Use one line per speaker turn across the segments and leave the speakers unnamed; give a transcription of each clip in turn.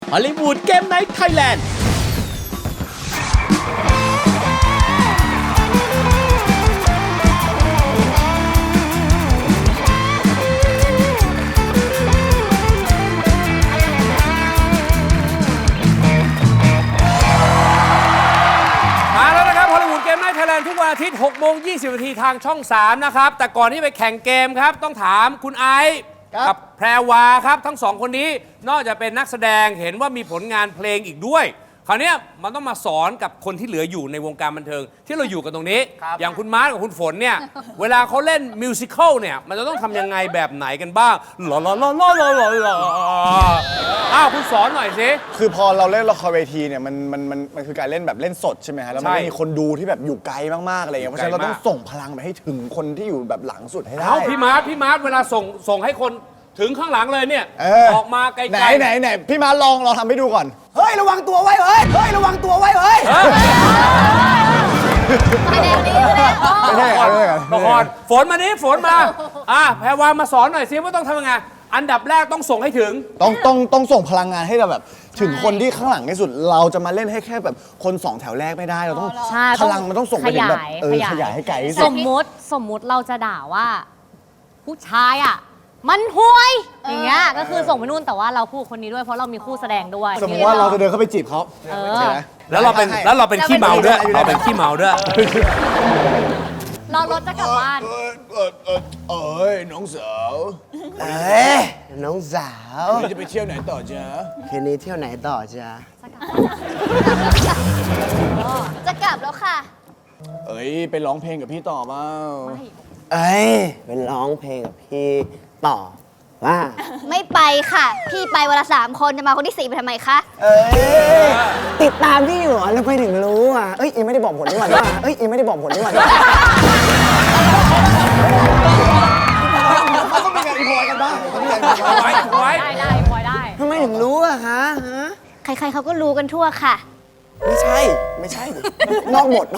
ฮอลลีวูดเกมไนท์ไทยแลนด์
ทุกวันอาทิตย์ 6:20 นาทีทางช่อง 3 นะครับ แต่ก่อนที่ไปแข่งเกมครับ ต้องถามคุณไอซ์กับแพรวาครับ ทั้งสองคนนี้นอกจากเป็นนักแสดงเห็นว่ามีผลงานเพลงอีกด้วย คราวนี้มันต้องมาสอนกับคนที่เหลืออยู่ในวงการบันเทิงที่เราอยู่กันตรงนี้ อย่างคุณมาร์ทกับคุณฝนเนี่ย เวลาเขาเล่นมิวสิควลเนี่ย มันจะต้องทำยังไงแบบไหนกันบ้างหล่ออ้าวคุณสอนหน่อยสิ
คือพอเราเล่นละครเวทีเนี่ยมันคือการเล่นแบบเล่นสดใช่ไหมฮะแล้วมันมีคนดูที่แบบอยู่ไกลมากๆอะไรอย่างเงี้ยเพราะฉะนั้นเราต้องส่งพลังไปให้ถึงคนที่อยู่แบบหลังสุดให้ได้
เอาพี่มาร์ทเวลาส่งให้คนถึงข้างหลังเลยเนี่ยออกมาไกลๆ
ไหนพี่มาลองทำให้ดูก่อนเฮ้ยระวังตัวไว้เฮ้ยระวังตัวไว้เฮ้ยไม่ใช่
ละครฝนมานี้ฝนมาแพรวามาสอนหน่อยซิว่าต้องทำยังไงอันดับแรกต้องส่งให้ถึง
ต้องส่งพลังงานให้เราแบบถึงคนที่ข้างหลังที่สุดเราจะมาเล่นให้แค่แบบคน2แถวแรกไม่ได้เราต้องพลังมันต้องส่งไปถึงแบบขยายให้ไกลที่สุด
สมมุติเราจะด่าว่าผู้ชายมันห่วยอย่างเงี้ยก็คือส่งไปนู่นแต่ว่าเราคู่คนนี้ด้วยเพราะเรามีคู่แสดงด้วย
สมมติว่าเราจะเดินเข้าไปจีบเขา
แล้วเราเป็นขี้เมาด้วยเราเป็นขี้เมาด้วย
เรารถจะกลับบ้าน
น้องสาว
น้องสาว
จะไปเที่ยวไหนต่อจ๊ะ
คืนนี้เที่ยวไหนต่อจ๊ะ
จะกลับแล้วค่ะ
ไปร้องเพลงกับพี่ต่อเปล่า
เป็นร้องเพลงกับพี่ต่อว่า
ไม่ไปค่ะพี่ไปวันละ3 คนจะมาคนที่4ไปทำไมคะ
ติดตามพี่อยู่แล้วไปถึงรู้ยังไม่ได้บอกผลนี่หว่ายังไม่ได้บอกผลนี่หว่า
เขาต้องมีการอีพอยกันบ้าง
ไว้
ได้พอยได้
ทำไมถึงรู้ฮะ
ใครๆเขาก็รู้กันทั่วค่ะ
ไม่ใช่นอกหมด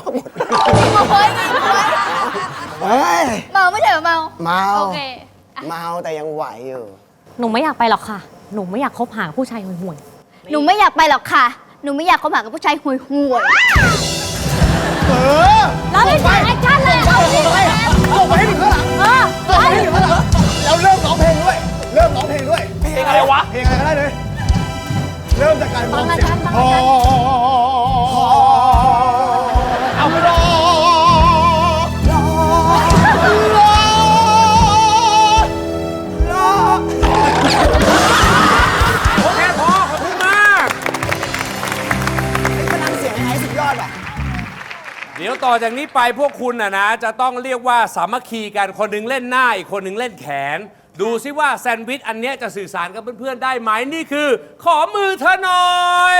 เ
มาไม่ใช่เมาโอเค
เมาแต่ยังไหวอยู่
หนูไม่อยากไปหรอกค่ะหนูไม่อยากคบหาผู้ชายห่วย
หนูไม่อยากไปหรอกค่ะหนูไม่อยากคบหากับผู้ชายห่วย
เราไม่ใช่แอคชั่นเลยเอาสิ
ส่งไปให้ถึงข้างหลังส่งไปให้ถึงข้างหลังแล้วเริ่มร้องเพลงด้วยเพลงอะไรวะเพลงอะไรก็ได้เลยเริ่มจากการร้องเสียงเอาไปรอ
โอเคพอขอบคุณมาก
พลังเสียงไอ้สุดยอด
เดี๋ยวต่อจากนี้ไปพวกคุณนะจะต้องเรียกว่าสามัคคีกันคนหนึงเล่นหน้าอีกคนหนึงเล่นแขนดูซิว่าแซนด์วิชอันนี้จะสื่อสารกับเพื่อนๆได้ไหมนี่คือขอมือเธอหน่อย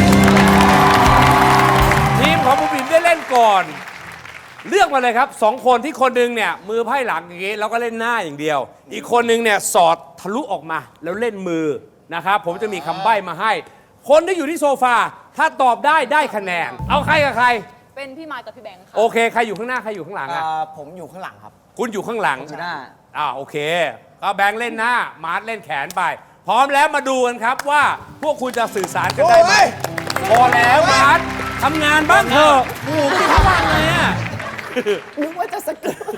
ทีมของบุ๋มบิ๋มได้เล่นก่อนเลือกมาเลยครับ2 คนที่คนหนึงเนี่ยมือไพ่หลังอย่างงี้แล้วก็เล่นหน้าอย่างเดียวอีกคนหนึงเนี่ยสอดทะลุออกมาแล้วเล่นมือนะครับผมจะมีคำใบ้มาให้คนที่อยู่ที่โซฟาถ้าตอบได้คะแนนเอาใครกับใคร
เป็นพี่มาร์ทกับพี่แบงค์ค่ะ
โอเคใครอยู่ข้างหน้าใครอยู่ข้างหลัง
ผมอยู่ข้างหลังครับ
คุณอยู่ข้างหลัง
หน้า
โอเคก็แบงค์เล่นหน้ามาร์ทเล่นแขนไปพร้อมแล้วมาดูกันครับว่าพวกคุณจะสื่อสารกันได้ไหมพอแล้วมาร์ททำงานบ้างเถอะโอ้โหไม่ทำงานเลย
นึกว่าจะสกิล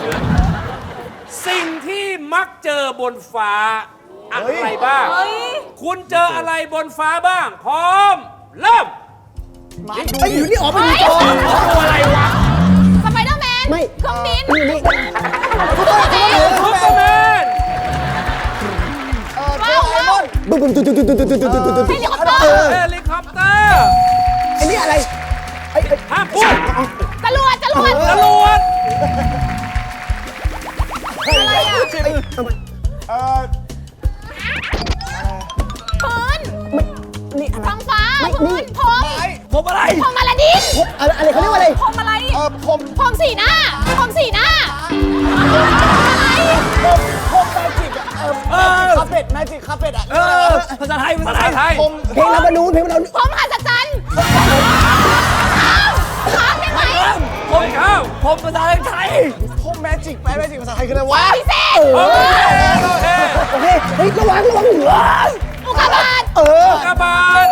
สิ่งที่มักเจอบนฟ้าอะไรบ้างคุณเจออะไรบนฟ้าบ้างพร้อมเริ่ม
อยู่นี่ออกไปดู
ตัวอะไรวะ
สไปเดอร์แมนเครื่องบิน
ซุปเปอร์แมน
บึ้ม
เฮลิคอปเตอร์
ไอ้นี่อะไร
ห้ามพูด
จรวด
อะไรอ่ะ
พื้น
นี่อะไร
ท้องฟ้าพื้น
ผมอะไร
พรมอลาดิน
อะไรเขาเรียกว่าอะไร
พรมอะไร
พรม
สีหน้าอะไร
พรมแมจิกคาเฟ่ด
ภาษาไทย
เพลงลาบานูน
พรมหัศจรรย์ข้ามได้ไหม
ผมภาษาไทย
พรมแมจิกภาษาไทยคืออะไรวะ
พิเศษ
โอเค
เฮ้ยระวังหัว
อุกกาบาต
อุกกาบาต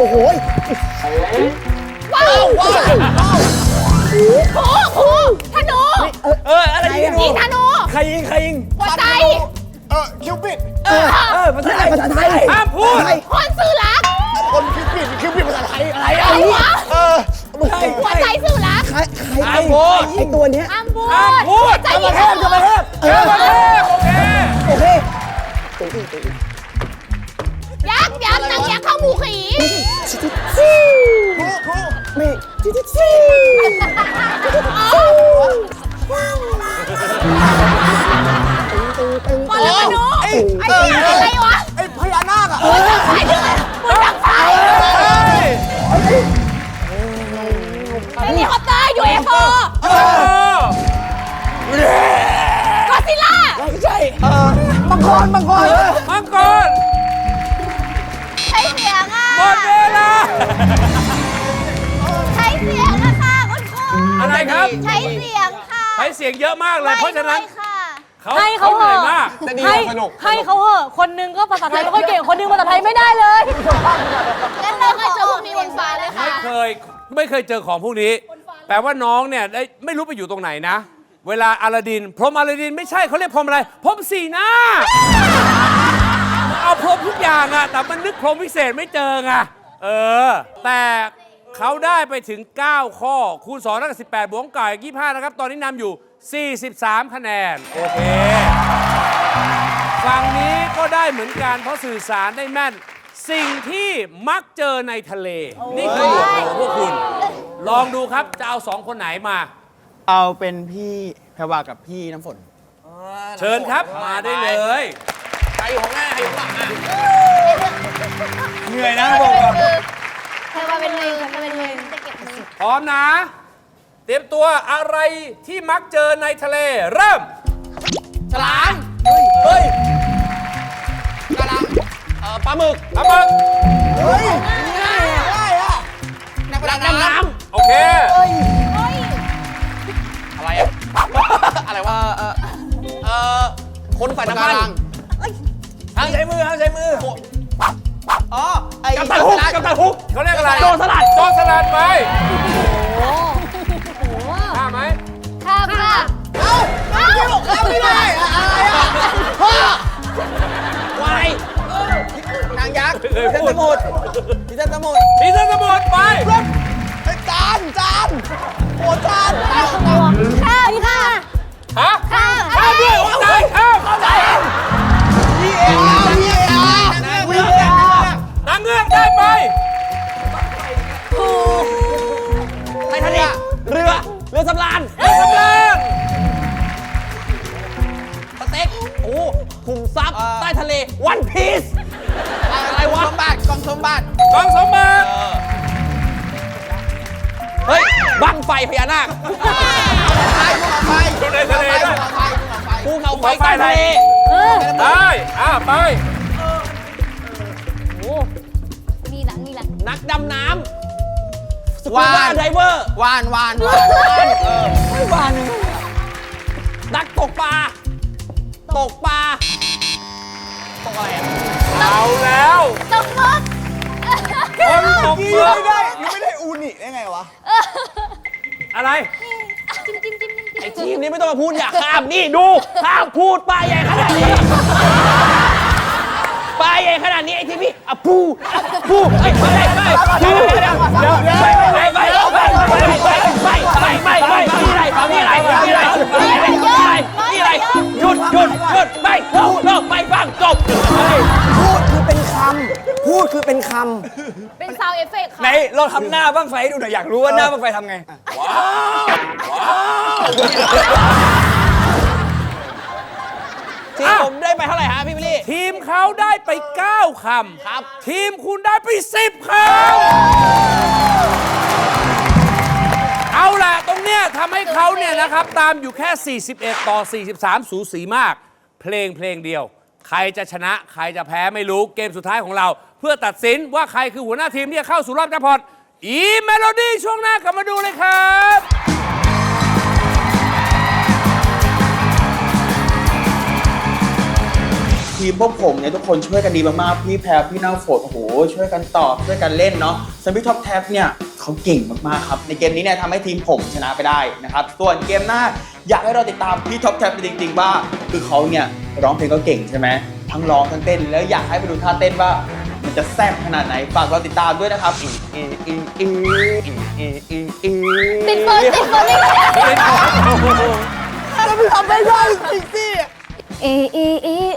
โอ้โห
ว้าวว้าวครูธนู
อะไรยิง
ยิงธนู
ใครยิง
หัวใจ
คิวปิด
ภาษาไทยภาษาไทย
ห้ามพูด
คนสื่อรัก
คนคิวปิดภาษาไทยอะไร
อะไรวะ
ไม่ใช่
หัวใจสื่อรัก
ใครไอ้ตัวเนี้ย
อ้ามบู
ห้ามพูด
ใจยิงธนู
เจ้าประเทศโอเค
โอเค
ยักษ์นางยักษ์เข้าหมูขี
ไม่จิ๊ด
บอลลูนไอ้อะไรวะ
ไอ้พญานาคอ่ะ
ไอ้ที่มันมือดังไฟเฮลิคอปเตอร์ UFO ก็ซิล่า
มังกร
มังกร
ใช้เสียงอ่ะ
หมดเวลา
ใช้เสียงอะค่ะคุณครู
อะไรครับ
ใช้เสียงค่ะ
ใช้เสียงเยอะมากเลย เพราะฉะนั้น
ไม่ค่ะ
ให้เขา
เห
เห
นื่อย
อะ
มาก
ให้เขาเหอะคนหนึงก็ภาษาไทยไม่ค่อยเก่งคนหนึงภาษาไทยไม่ได้เลย
งั้น
ไม่
เรา
เคยเจอพวกนี้บนฟ้าเลยค่ะ
ไม่เคยเจอของพวกนี้ แปลว่าน้องเนี่ยได้ไม่รู้ไปอยู่ตรงไหนนะ เวลาอลาดิน พรหมอลาดินไม่ใช่เขาเรียกพรหมอะไร พรหมสีหน้า เอาพรหมทุกอย่างอะแต่มันนึกพรหมพิเศษไม่เจอไงแต่เขาได้ไปถึง 9 ข้อ คูณ2เท่ากับ18 บวกกับ25 นะครับ ตอนนี้นำอยู่ 43 คะแนน โอเค ฝั่งนี้ก็ได้เหมือนกันเพราะสื่อสารได้แม่น สิ่งที่มักเจอในทะเล นี่คือหมวดหมู่ของพวกคุณ ลองดูครับ จะเอา2 คนไหนมา
เอาเป็นพี่แพรวากับพี่น้ำฝน
เชิญครับ มาได้เลย
เหนื่อยนะบอกก่อน
ใครว่าเป็นมือใครเป็นมือจะเก็บมือ
พร้อมนะ เตรียมตัวอะไรที่มักเจอในทะเล เริ่ม
ฉลามเฮ้ยปลาหมึก
ปลาหมึก
เฮ้ยง่ายอ่ะนักดำน้ำ
โอเค
อะไรอ่ะ อะไรวะคนใส่น้ำมันห้ามใช้มืออ๋อไอ้กัปตันฮุก
เขาเรียกอะไร
โจรสลัด
โจรสลัดไปข้ามไหม
ข้ามค่ะ
ข้ามไม่ได้อะไรอ่ะวายนางยักษ์พิเศษสมุทร
พีเซนสมุทรไป
จานโอ้จาน
ข้ามค่ะ
ฮะ
ข้าม
ข้ามด้วยโอ้ตายข้าม นางเงือกได้ไป
ไททานิคเรือสำราญ
เรือสำราญ
สเต็กโอ้ขุมทรัพย์ใต้ทะเลวันพีซอะไรวะกองสมบัติ
กองสมบัติ
เฮ้ยบังไฟพญานาค
อยู่ในทะเลด้วย
ภูเขาไฟใต้ทะเล
ได้ไป
มีหลัง
นักดำน้ำสกูบ้าไดเวอร์วานนักตกปลาตกอะไรอ่ะ
เอาแล้ว
ตกมุก
คนตกเรือ
ยังไม่ได้อูนิได้ไงวะ
อะไร
ไอ้ทีมนี้ไม่ต้องมาพูดอย่าข้ามนี่ดูข้ามพูดปลาใหญ่ขนาดนี้ปลาใหญ่ขนาดนี้ไอ้ทีมนี้อ่ะปูไอ้ไม่เดี๋ยวหยุดไม่เลิกไม่ฟังจบ
พูดคือเป็นคำ
เป็นซาวเอฟเฟกต์ค่ะ
ไหนเราทำหน้าบ้างไฟให้ดูหน่อยอยากรู้ว่าหน้าบ้างไฟทำไงทีมผมได้ไปเท่าไหร่ฮะพี่บิลลี่
ทีมเขาได้ไป 9 คำ
ครับ
ทีมคุณได้ไป 10 คำ เอาล่ะ ตรงเนี้ยทำให้เขาเนี่ยนะครับ ตามอยู่แค่ 41 ต่อ 43 สูสีมาก เพลงเดียว ใครจะชนะ ใครจะแพ้ไม่รู้ เกมสุดท้ายของเรา เพื่อตัดสินว่าใครคือหัวหน้าทีมที่จะเข้าสู่รอบแจ็คพอตเมโลดี้ช่วงหน้ากลับมาดูเลยครับ
ทีมพวกผมเนี่ยทุกคนช่วยกันดีมากๆพี่แพรพี่น้ำฝนโอ้โหช่วยกันตอบช่วยกันเล่นเนาะส่วนพี่ท็อปแท็บเนี่ยเขาเก่งมากๆครับในเกมนี้เนี่ยทำให้ทีมผมชนะไปได้นะครับส่วนเกมหน้าอยากให้เราติดตามพี่ท็อปแท็บจริงๆว่าคือเขาเนี่ยร้องเพลงก็เก่งใช่ไหมทั้งร้องทั้งเต้นแล้วอยากให้ไปดูท่าเต้นว่ามันจะแซ่บขนาดไหนฝากเราติดตามด้วยนะครับ
ติดเฟิร์นติดเฟิร์นนี่
จะไปทำไม่ได้จริงสิ
เอ